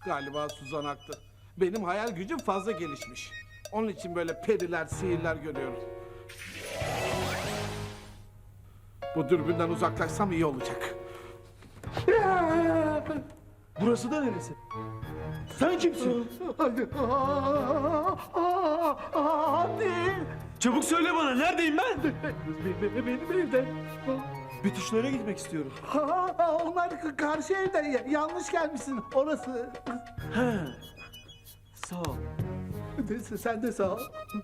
Galiba Suzan haklı. Benim hayal gücüm fazla gelişmiş. Onun için böyle periler, sihirler görüyorum. Bu dürbünden uzaklaşsam iyi olacak. Burası da neresi? Sen kimsin? Hadi. Çabuk söyle bana, neredeyim ben? Benim evde. Betüşlere gitmek istiyorum. Onlar karşı evde. Yanlış gelmişsin. Orası. He. Sağ ol. Sen de sağ ol.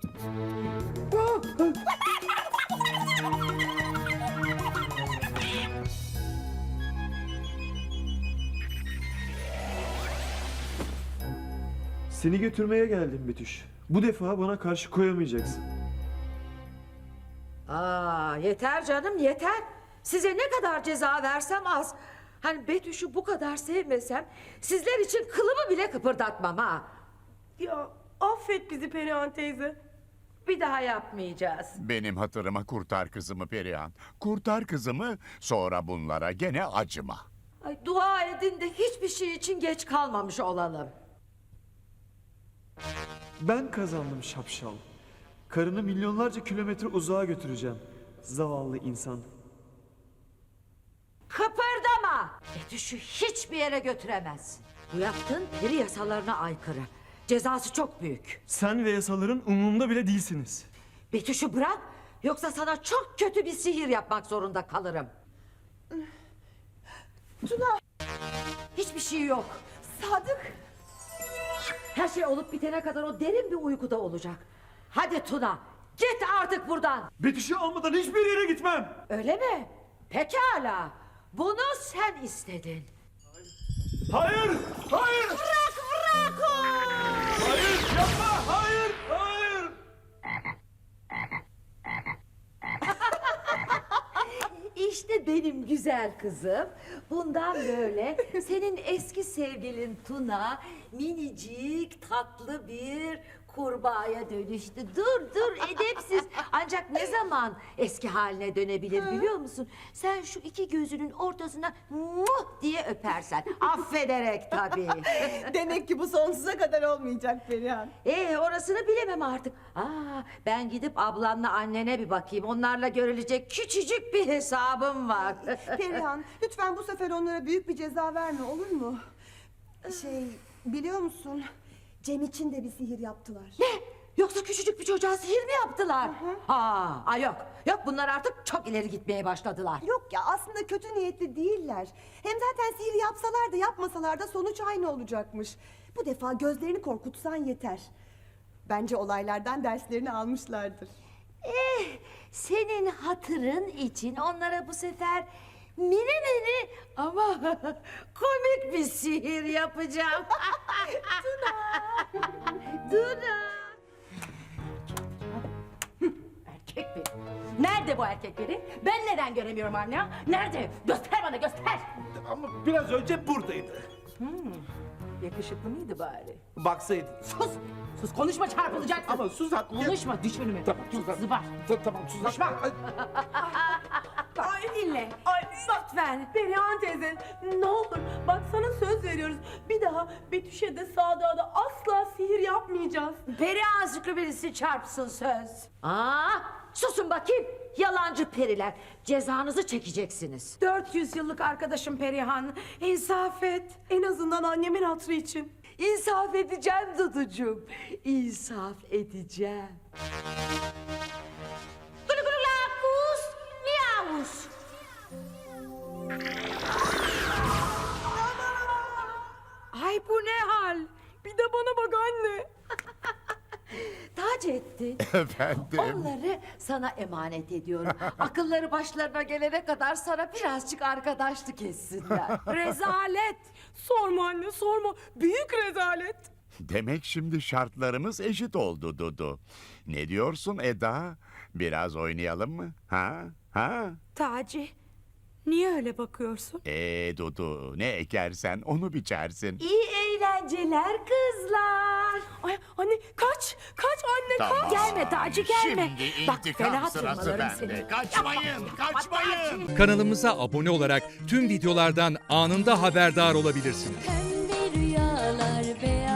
Seni götürmeye geldim Betüş. Bu defa bana karşı koyamayacaksın. Aa, yeter canım yeter. Size ne kadar ceza versem az. Hani Betüş'ü bu kadar sevmesem sizler için kılımı bile kıpırdatmam ha. Ya affet bizi Perihan teyze. Bir daha yapmayacağız. Benim hatırıma kurtar kızımı Perihan. Kurtar kızımı, sonra bunlara gene acıma. Ay, dua edin de hiçbir şey için geç kalmamış olalım. Ben kazandım şapşal. Karını milyonlarca kilometre uzağa götüreceğim. Zavallı insan. Kıpırdama! Betüş'ü hiçbir yere götüremezsin. Bu yaptığın peri yasalarına aykırı. Cezası çok büyük. Sen ve yasaların umurumda bile değilsiniz. Betüş'ü bırak, yoksa sana çok kötü bir sihir yapmak zorunda kalırım. Tuna! Hiçbir şey yok. Sadık. Her şey olup bitene kadar o derin bir uykuda olacak. Hadi Tuna, git artık buradan. Betüş'ü almadan hiçbir yere gitmem. Öyle mi? Pekala. Bunu sen istedin. Hayır! Hayır! Bırak o! Hayır! Yapma! Hayır! Hayır! İşte benim güzel kızım. Bundan böyle senin eski sevgilin Tuna minicik tatlı bir kurbağaya dönüştü. Dur edepsiz. Ancak ne zaman eski haline dönebilir biliyor musun? Sen şu iki gözünün ortasına muh diye öpersen. Affederek tabii. Demek ki bu sonsuza kadar olmayacak Perihan. Orasını bilemem artık. Ben gidip ablanla annene bir bakayım. Onlarla görülecek küçücük bir hesabım var. Perihan, lütfen bu sefer onlara büyük bir ceza verme, olur mu? Biliyor musun? Cem için de bir sihir yaptılar. Ne? Yoksa küçücük bir çocuğa sihir mi yaptılar? Yok bunlar artık çok ileri gitmeye başladılar. Yok ya, aslında kötü niyetli değiller. Hem zaten sihir yapsalar da yapmasalar da sonuç aynı olacakmış. Bu defa gözlerini korkutsan yeter. Bence olaylardan derslerini almışlardır. Senin hatırın için onlara bu sefer mini ama komik bir sihir yapacağım. Tuna. Erkek biri. Nerede bu erkek biri? Ben neden göremiyorum anne? Nerede? Göster bana göster. Ama biraz önce buradaydı. Yakışıklı mıydı bari? Baksaydın. Sus konuşma çarpılacaksın. Ama Suzan... Konuşma düş önüme. Tamam Suzan. Zıbar. Tamam Suzan. Konuşma. Ay dinle. Ay lütfen. Perihan teyze ne olur. Bak sana söz veriyoruz. Bir daha Betüş'e de Sadık'a da asla sihir yapmayacağız. Peri azıcıklı birisi çarpsın söz. Susun bakayım. Yalancı periler. Cezanızı çekeceksiniz. 400 yıllık arkadaşım Perihan. İnsaf et. En azından annemin hatırı için. İnsaf edeceğim Duducuğum. İnsaf edeceğim. Gulugulakus miyavus. Ay bu ne hal? Bir de bana bak anne. Taceddin. Efendim? Onları sana emanet ediyorum. Akılları başlarına gelene kadar sana birazcık arkadaşlık etsinler. Rezalet. Sorma anne sorma. Büyük rezalet. Demek şimdi şartlarımız eşit oldu Dudu. Ne diyorsun Eda? Biraz oynayalım mı? Ha? Taci, niye öyle bakıyorsun? Dudu, ne ekersen onu biçersin. İyi eğlenceler kızlar. Ay anne kaç anne Tamam. Gelme Taci gelme. Şimdi Bak intikam fena sırası tırmalarım bende. seni. Kaçmayın. Kanalımıza abone olarak tüm videolardan anında haberdar olabilirsiniz. Pembe rüyalar Kargalar beyaz